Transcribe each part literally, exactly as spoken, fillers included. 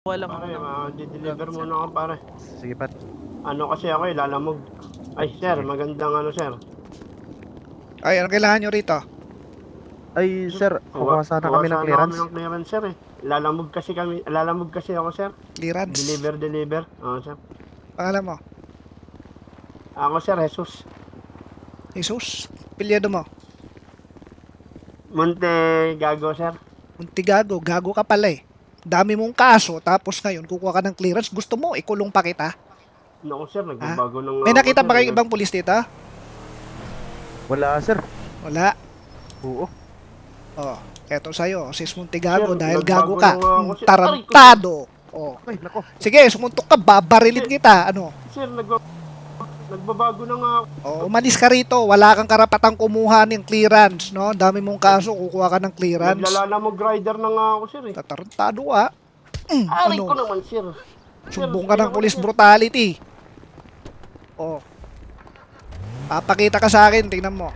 Walang Pare, ano. ma-deliver muna ako pare. Sige pat. Ano kasi ako eh, lalamog. Ay sir, Sige. magandang ano sir. Ay, ano kailangan nyo rito? Ay sir, Kuha, kukuha sana kuha kami ng sana kami clearance. ng clearance sir eh. Lalamog kasi kami, lalamog kasi ako sir. Clearance. Deliver, deliver. Oo sir. Pangalan mo? Ako sir, Jesus. Jesus? Pilyado mo? Monte Gago sir. Muntigago, gago ka pala eh. Dami mong kaso, tapos ngayon kukuha ka ng clearance. Gusto mo, ikulong pa kita? Naku sir, nagbabago ng May ako, nakita sir, ba kayong eh. ibang pulis dito? Wala sir. Wala. Oo. Oh, eto sa'yo, sis Muntigago, Sir, dahil nagbago gago ka. ng ako, Mm, sir. Tarantado. Oh. Ay nako. Sige, sumuntok ka, babarilin kita. Ano? Sir, nagba nagbabago na nga ako. Oh, umalis ka rito. Wala kang karapatang kumuha ng clearance, no? Dami mong kaso, kukuha ka ng clearance. Naglalalamog rider na nga ako sir eh. Tatarantado ah. Mm, Aray ano? ko naman sir. Sir, Sumbong ka ng ayoko na, police sir. brutality. Oh. Papakita ka sa akin, tingnan mo.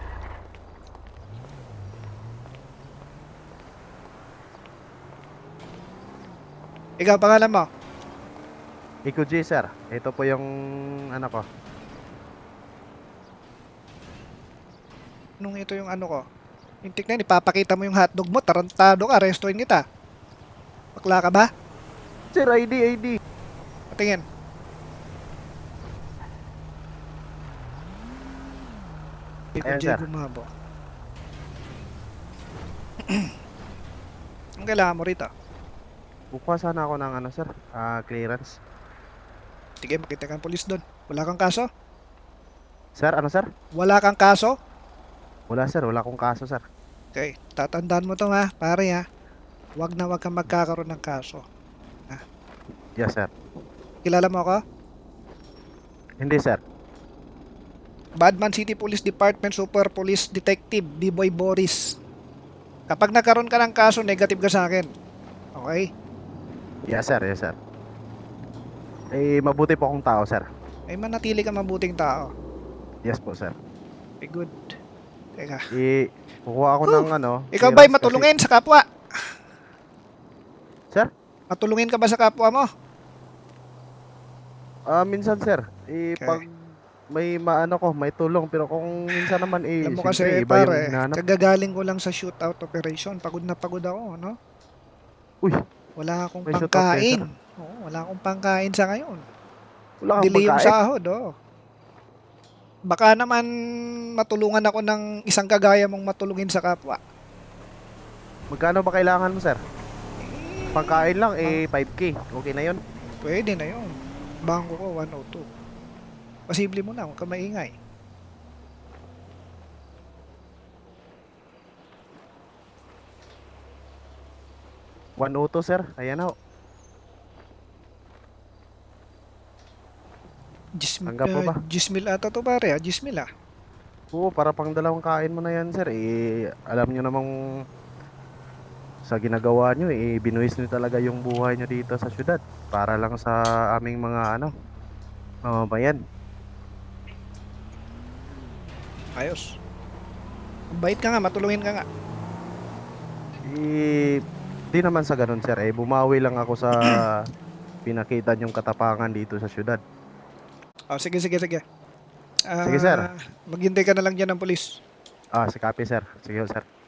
Ikaw, pangalan mo? Iko G sir. Ito po yung ano ko. Nung ito yung ano ko. Yung tignan, ipapakita mo yung hotdog mo, tarantado ka, arrestuin kita. Bakla ka ba? Sir, I D, I D. Patingin. Ikaw, Ayan, sir. Diego Mabo. Ang kailangan mo rito? Kukuha sana ako ng ano sir, ah clearance. Sige, makita kang polis doon. Wala kang kaso? Sir, ano sir? Wala kang kaso? Wala sir, wala akong kaso sir. Okay, tatandaan mo to ha, pare ha. Wag na wag kang magkakaroon ng kaso. Yes sir. Kilala mo ako? Hindi sir. Badman City Police Department Super Police Detective B-Boy Boris. Kapag nagkaroon ka ng kaso, negative ka sa akin. Okay? Yes sir, yes sir. Eh, mabuti po akong tao sir. Ay manatili ka mabuting tao. Yes po sir. Be good. Teka. Eh, kukuha ako ng ano. Ikaw ba'y clearance matulungin sa kapwa? kasi- Sir? Matulungin ka ba sa kapwa mo? Ah, minsan sir. Eh, Okay. pag may maano ko, may tulong. Pero kung minsan naman eh, Alam mo siyempre, kasi iba yung pare, hinahanap. kagagaling ko lang sa shootout operation. Pagod na pagod ako, no? Uy, Wala akong May shootout pangkain. kayo, Oo, wala akong pangkain sa ngayon. wala kang Delay yung pagkain. sahod, oh. Baka naman matulungan ako ng isang kagaya mong matulungin sa kapwa. Magkano ba kailangan mo sir? Pagkain lang eh five K. Okay na yun. Pwede na yun. Bangko ko one oh two. Posible mo na, huwag ka maingay. one oh two sir. Ayan na. Gismil, Tanggap mo ba? uh, Gismil ata to pare, ah. Gismil ah. Oo, para pang dalawang kain mo na yan sir. Eh, alam nyo namang sa ginagawa nyo eh, binuhis nyo talaga yung buhay nyo dito sa syudad. Para lang sa aming mga ano, mamamayan. Ayos. Bait ka nga, matulungin ka nga. Eh, di naman sa ganun sir. Eh, bumawi lang ako sa pinakita nyong katapangan dito sa syudad. Oh, sige, sige, sige. Ah, Sige, sir. Maghintay ka na lang dyan ng polis. Ah, si copy sir. Sige sir.